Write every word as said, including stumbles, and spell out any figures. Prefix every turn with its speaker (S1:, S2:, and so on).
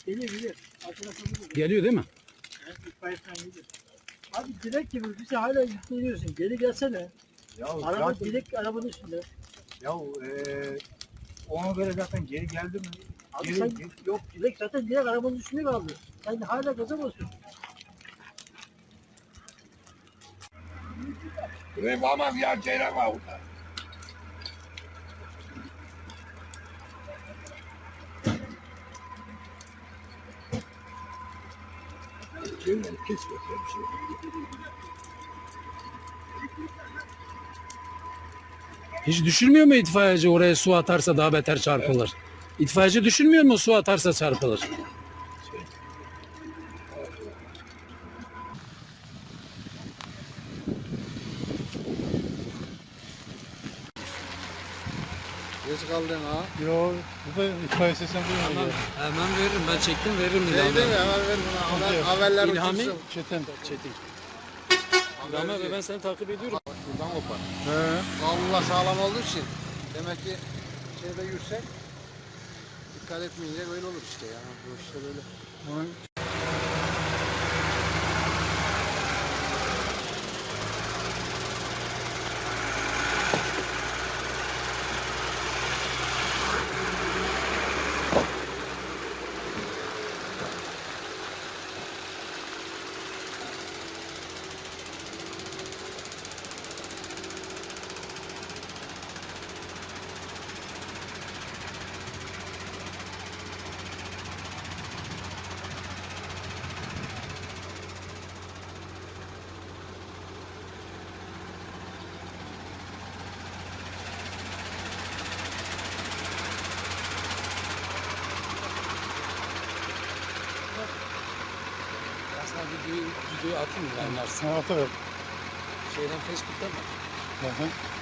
S1: Geliyor geliyor. Arkadaşlar
S2: Geliyor değil mi?
S1: evet, itfaiyeden geliyor. Abi direkt gibi bizi hala yükleniyorsun. Geri gelsene.
S3: Ya
S1: Araba
S3: zaten,
S1: direkt arabanın üstünde.
S3: ya eee ona göre zaten geri geldi mi?
S1: Abi
S3: Geri,
S1: sen
S3: geri-
S1: yok direkt zaten direkt arabanın üstünde kaldı. Sen hala gaza basıyorsun.
S4: Buraya bakmam ya Ceylan var burada. Ceylan kes bakayım bir şey.
S2: Hiç düşünmüyor mu itfaiyeci oraya su atarsa daha beter çarpılır? İtfaiyeci düşünmüyor mu su atarsa çarpılır?
S5: Geç kaldın ha.
S6: Yo, bu da itfaiye sesini duymuyor.
S2: Hemen veririm, ben çektim veririm
S5: Şey değil mi? Hemen ver buna. Haber, haberler
S2: İlhami.
S5: uçursun.
S6: Çetin.
S2: Çetin. İlhami abi ben seni takip ediyorum.
S5: Bak buradan kopar.
S6: He.
S5: Allah sağlam olduğu için. Demek ki şeyde yüksek. Dikkat etmeyince böyle olur işte ya. Bu işte böyle.
S6: Onun
S2: Ben sana videoyu, videoyu atayım mı? Anlarsın.
S6: sana atıver.
S2: Şeyden Facebook'tan mı?
S6: Zaten